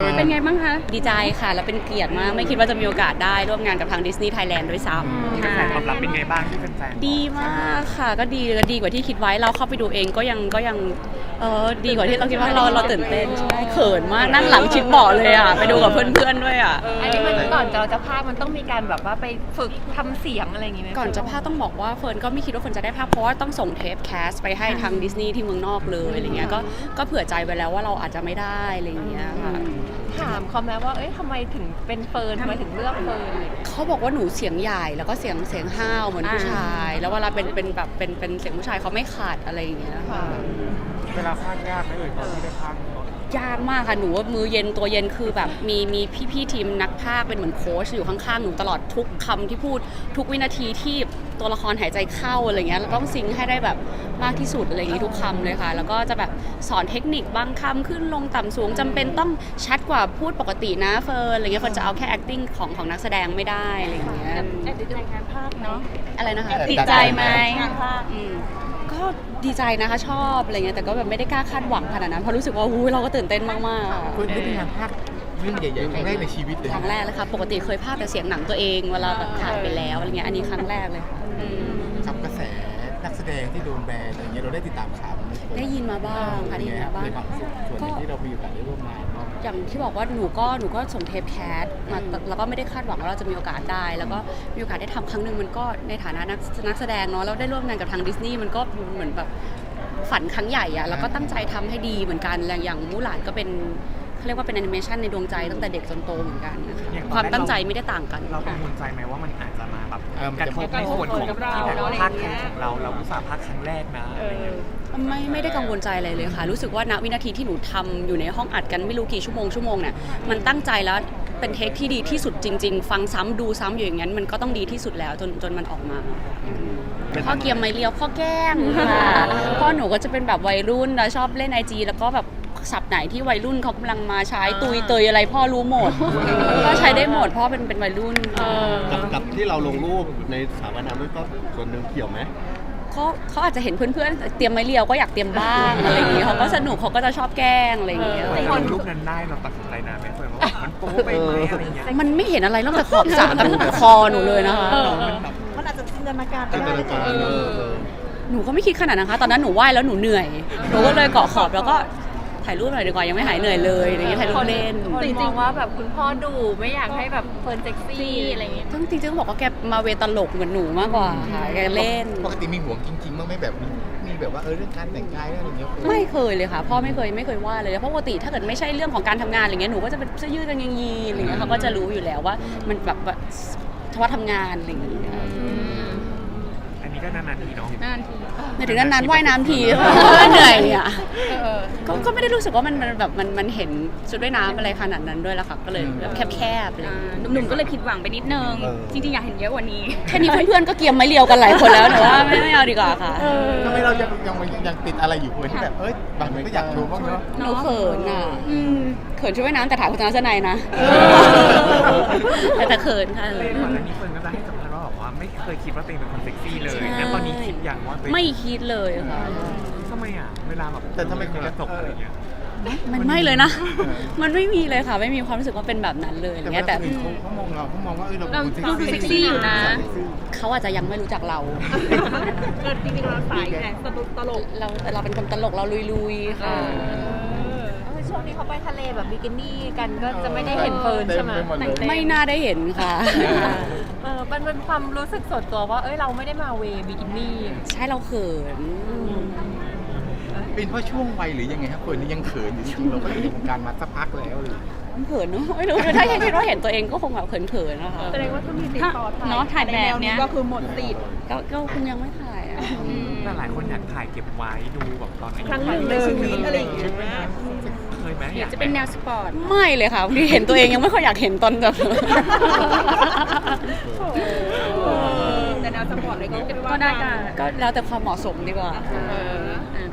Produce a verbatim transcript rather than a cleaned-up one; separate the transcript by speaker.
Speaker 1: เป็นไงบ้างคะดีใจค่ะแล้วเป็นเกียรติมากไม่คิดว่าจะมีโอกาสได้ร่วมงานกับทางดิสนีย์ไทยแลนด์ด้วยซ้ำ
Speaker 2: กระแสตอบรับเป็นไงบ้างที่เป็นแฟนๆ
Speaker 1: ดีมากค่ะก็ดีดีกว่าที่คิดไว้เราเข้าไปดูเองก็ยังก็ยังเออดีกว่าที่เราคิดว่าเราเราตื่นเต้นใช่เขินมากนั่งหลังชิดเบาะเลยอ่ะไปดูกับเพื่อนๆด้วยอ่ะ
Speaker 3: อันนี้มันก่อนเราจะพากย์มันต้องมีการแบบว่าไปฝึกทำเสียงอะไรอย่างงี้ไหม
Speaker 1: ก่อนจะพากย์ต้องบอกว่าเฟิร์นก็ไม่คิดว่าเฟิร์นจะได้ภาพเพราะว่าต้องส่งเทปแคสไปให้ทางดิสนีย์ที่เมืองนอกเลยอะไรเงี้ยก็ก็เผื่อใจไว้แล้วว่าเราอาจจะไม่ได้อะไรเงี้ยค่ะ
Speaker 3: ถามเขาไหมว่าเอ้ยทำไมถึงเป็นเฟิร์นทำไมถึงเลือกเฟิร์นอะไรอย่างเงี้ย
Speaker 1: เขาบอกว่าหนูเสียงใหญ่แล้วก็เสียงเสียงห้าวเหมือนผู้ชาย แล้วเวลาเป็นเป็นแบบเป็นเป็นเสียงผู้ชายเขาไม่ขาดอะไรอย่างเงี้ยค่ะ
Speaker 2: เวลาพากย์ยากไหมเอ่ยตอนที่ได้พากย์
Speaker 1: ยากมากค่ะหนูว่ามือเย็นตัวเย็นคือแบบมีมีพี่ๆทีมนักพากย์เป็นเหมือนโค้ชอยู่ข้างๆหนูตลอดทุกคำที่พูดทุกวินาทีที่ตัวละครหายใจเข้าอะไรเงี้ยเราต้องซิงค์ให้ได้แบบมากที่สุดอะไรอย่างงี้ทุกคำเลยค่ะแล้วก็จะแบบสอนเทคนิคบางคำขึ้นลงต่ำสูงจำเป็นต้องชัดกว่าพูดปกตินะเฟิร์นอะไรเงี้ยเฟิร์นจะเอาแค่ acting ของของนักแสดงไม่ได้อะไรอย่างเงี้ย
Speaker 3: แอบติดใจงานภาคเนาะ
Speaker 1: อะไรนะคะ
Speaker 3: ติดใจไหมงานภาค
Speaker 1: อืมก็ดีใจนะคะชอบอะไรเงี้ยแต่ก็แบบไม่ได้กล้าคาดหวังขนาดนั้นเพราะรู้สึกว่าหูยเราก็ตื่นเต้นมากๆอะ
Speaker 4: คุณได้เป็นงานภาคเรื่องใหญ่ๆครั้งแรกในชีวิตเลย
Speaker 1: ครั้งแรกเลยค่ะปกติเคยพากย์แต่เสียงหนังตัวเองเวลาแบบถ่ายไปแล้วอะไรเงี้ยอันนี้ครั้งแรกเลยค่ะอืม
Speaker 4: กับกระแสนักแสดงที่โดนแบนอะไรเงี้ยเราได้ติดตามข่าวไหม
Speaker 1: ได้ยินมาบ้างค่ะได้ยินมาบ้าง
Speaker 4: ในความรู้สึกส่วนหนึ่งที่เรามีโอกาสได้ร่วมงานเนาะ
Speaker 1: อย่างที่บอกว่าหนูก็หนูก็ส่งเทปแคสมาแล้วก็ไม่ได้คาดหวังว่าเราจะมีโอกาสได้ แล้วก็มีโอกาสได้ทำครั้งหนึ่งมันก็ในฐานะนักนักแสดงเนาะแล้วได้ร่วมงานกับทางดิสนีย์มันก็เหมือนแบบฝันครั้งใหญ่อะแล้วก็ตั้งใจทำให้ดีเหมือนกันอย่างมูหลานก็เป็นเขาเรียกว่าเป็นแอนิเมชันในดวงใจตั้งแต่เด็กจนโตเหมือนกันนะคะความตั้งใจไม่ได้ต่างกัน
Speaker 2: เรากังวลใจไหมว่ามันอาจจะมาแบบ
Speaker 4: เออมัน
Speaker 2: กระ
Speaker 4: จะ
Speaker 2: ทบในส่วนของที่แบบภาคแข่งของเราเราอุตส่าห์ภาคครั้งแรกนะอะไรเงี้ย
Speaker 1: ไม่ไม่ได้กังวลใจอะไรเลยค่ะรู้สึกว่าณวินาทีที่หนูทำอยู่ในห้องอัดกันไม่รู้กี่ชั่วโมงชั่วโมงเนี่ยมันตั้งใจแล้วเป็นเทคที่ดีที่สุดจริงๆฟังซ้ำดูซ้ำอยู่อย่างนั้นมันก็ต้องดีที่สุดแล้วจนจนมันออกมาพ่อเกียมไม่เลียวพ่อแกล้งค่ะพ่อหนูก็จะเป็นแบบวัยรุ่นแล้วชอบเล่นไอจีแล้วก็แบบศัพท์ไหนที่วัยรุ่นเขากำลังมาใช้ตุยเตยอะไรพ่อรู้หมดก็ใช้ได้หมดพ่อเป็นเป็นวัยรุ่น
Speaker 5: กับกับที่เราลงรูปในสถาบันน้ำด้วยก็ส่วนหนึ่งเกี่ยวไหม
Speaker 1: เขาเขาอาจจะเห็นเพื่อนๆเตรียมไม้เรียวก็อยากเตรียมบ้างอะไรอย่างเงี้ยเขาก็สนุกเขาก็จะชอบแกล้งอะไรอย่างเงี้ย
Speaker 2: แต่คนรูปนั้นได้เราตัดสินใจนานไหมเฟิร์นว่ามันโป๊ไปไหมอะไรเงี้ย
Speaker 1: มันไม่เห็นอะไรนอกจากขอบสระกับคอหนูเลยนะคะ
Speaker 6: มันอาจจะจินตนาการ
Speaker 5: จินตนาการเนอะเออ
Speaker 1: หนูก็ไม่คิดขนาดนั้นนะคะตอนนั้นหนูว่ายแล้วหนูเหนื่อยหนูก็เลยเกาะขอบแล้วก็ถ่ายรูปหน่อยดีกว่ายังไม่หายเหนื่อยเลยอะไรอย่างเงี้ยถ่ายรูปเล่น
Speaker 3: คนมองว่าแบบคุณพ่อดุไม่อยากให้แบบเฟิร์นเซ็กซี่อะไรอย่างเงี้ย
Speaker 1: ทั้งจริงๆต้องบอกว่าแกมาเวตลกเหมือนหนูมากกว่าค่ะแกเล่น
Speaker 4: ปกติมีห่วงจริงๆบ้างไหมแบบมีมีแบบว่าเออเรื่องการแต่งกายเรื่องอะไรเงี้ย
Speaker 1: ไม่เคยเลยค่ะพ่อไม่เคยไม่เคยว่าเลยเพราะปกติถ้าเกิดไม่ใช่เรื่องของการทำงานอะไรเงี้ยหนูก็จะเป็นเสื้อยืดกางเกงยีนอะไรเงี้ยเขาก็จะรู้อยู่แล้วว่ามันแบบว่าเฉพาะทำงานอะไรอย่างเงี้ย
Speaker 2: อันนี้ก็นานๆทีเนาะ
Speaker 3: นานที
Speaker 1: ในถึงนั้นๆว่ายน้ำที เหนื่อยอ่ะก็ก็ไม่ได้รู้สึกว่ามันมันแบบมันมันเห็นชุดว่ายน้ำอะไรขนาดนั้นด้วยละค่ะก็เลยแบบแคบๆอะไรอย่างเลย
Speaker 6: หนุ่มๆก็เลยผิดหวังไปนิดนึง จริงๆ อยากเห็นเยอะกว่านี้
Speaker 1: แค่นี้เพื่อนๆก็เกียมไม้เรียวกันหลายคนแล้วหนูว่าไม่ไม่เอาดีกว่าค่ะ
Speaker 4: ทำไมเรายังยังยังติดอะไรอยู่คนที่แบบเอ้ยบางคนก็อยากโชว์บ้างเนาะ
Speaker 1: หนูเขินอ่ะเขินชุดว่ายน้ำแต่ถ่ายโฆษณาเสื้อในนะแต่แต่เขินค่ะ
Speaker 2: เลยก่อนหน้านี้เฟิร์นก็จะให้สัมภาษณ์ว่าบอกว่าไม่เคยคิดว่าตัวเองเป็นคนเซ็กซี่เลยแล้วตอนนี้คิดอย่างว่าตัวเอง
Speaker 1: ไม่คิดเลยค่ะ
Speaker 2: ทำไมอ่ะเวลาแบบ
Speaker 4: แต่ทำไม
Speaker 2: กระจกอะไรเงี้ย
Speaker 1: มันไม่เลยนะ มันไม่มีเลยค่ะ ไม่มีความรู้สึกว่าเป็นแบบนั้นเลยอะไร
Speaker 4: แต่
Speaker 1: เงี้ยแต่
Speaker 4: แต่เขาเขามองเราเขามองว่าเออเรา
Speaker 6: เรา
Speaker 4: เป็น
Speaker 6: ดู
Speaker 4: คน
Speaker 6: เซ็กซี่อยู่นะ
Speaker 1: เขาอาจจะยังไม่รู้จักเรา
Speaker 6: จริงๆเราสายไงตลก
Speaker 1: เราเราเป็นคนตลกเราลุยๆค่ะ
Speaker 3: ช่วงนี้เขาไปทะเลแบบบิกินี่กันก็จะไม่ได้เห็นเฟิร์นใช่ไหม
Speaker 4: เต็ปดเลย
Speaker 1: ไม่น่าได้เห็นค่ะ
Speaker 3: เออมันเป็นความรู้สึกส่วนตัวว่าเอ้ยเราไม่ได้มาเวบิกินี่
Speaker 1: ใช่เราเขิน
Speaker 4: เป็นเพราะช่วงวัยหรือยังไงครับคนนี้ยังเขินอยู่จริงๆเราก็อยู่ในวงการมาสักพักแล้วเลย
Speaker 1: เขินเนอะไม่รู้ถ้ายังคิดว่าเห็นตัวเองก็คงแบบเขินๆนะคะ
Speaker 6: แสดงว่าถ้ามีติดต่อเนาะถ่ายแบบเนี้ยก็คือหมดติด
Speaker 1: ก็ก็คงยังไม่ถ่ายอะ
Speaker 2: แต่หลายคนอยากถ่ายเก็บไว้ดูแบบตอนอายุ
Speaker 6: ครั้งหนึ่งในชีวิตอะไรอย่างเงี้ย
Speaker 2: เคยไหม
Speaker 6: เดี๋ยวจะเป็นแนวสปอร์ต
Speaker 1: ไม่เลยค่ะบางทีเห็นตัวเองยังไม่ค่อยอยากเห็นตอนแบบ
Speaker 6: แต่แนวสปอร์ตเลยก็คิดว่าได้กัน
Speaker 1: ก็แล้วแต่ความเหมาะสมดีกว่า
Speaker 6: เออ